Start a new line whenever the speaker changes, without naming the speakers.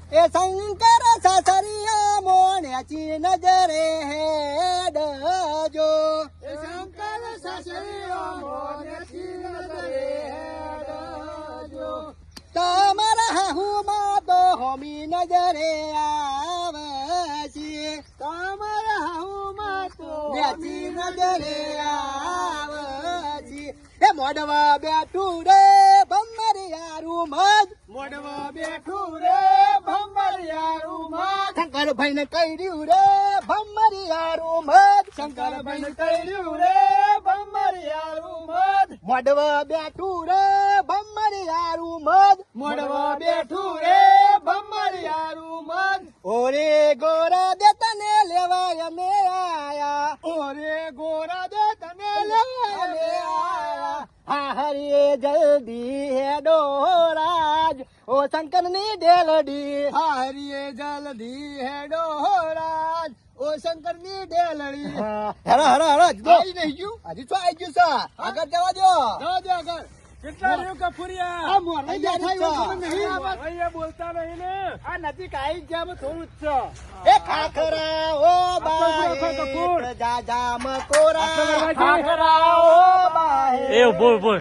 એ શંકર સાસરિયા મોણ્યાચી નજરે હેડજો
એ શંકર સાસરિયા મોણ્યાચી નજરે હેડજો
તમારા હાહુમાં તો હોમી નજરે આવશે
તમારા હાહુમાં તો
નેચી નજરે આવશે એ મોડવા બેઠું રે ભમરિયારું મજ
મોડવા બેઠું રે ભમરિયારું મત
શંકરભાઈ ને કર્યું રે ભમરિયારું મજ
શંકરભાઈ ને કર્યું રે ભમરિયારું મત
મોડવા બેઠું રે ભમરિયારું મજ
મોડવા બેઠું રે ભમરિયારું મત
ઓરે ગોરા દે તને લેવાય અમે આયા
ઓરે ગોરા દે તને લેવાય
અમે આયા હા હરિએ જલ્દી હેડો રાજ ઓ શંકર ની ડેલડી
હારીએ જલ્દી હેડો રાજ ઓ શંકર ની ડેલડી
હેરો હેરો હેરો
આઈ નહીં ગયું
હજી શું આવી ગયું છે આગળ જવા દો
જાઓ દે આગળ કેટલા રહ્યું કફુરિયા
આ મોરવાઈ બેઠા હોય ખબર નહીં
અહીંયા બોલતા નહીં ને આ નજીક આવી ગયા થોડું જ છે
એ ખાખરા ઓ બાય જા જા મકોરા
ખાખરા
ઓ બાય
એ બોલ બોલ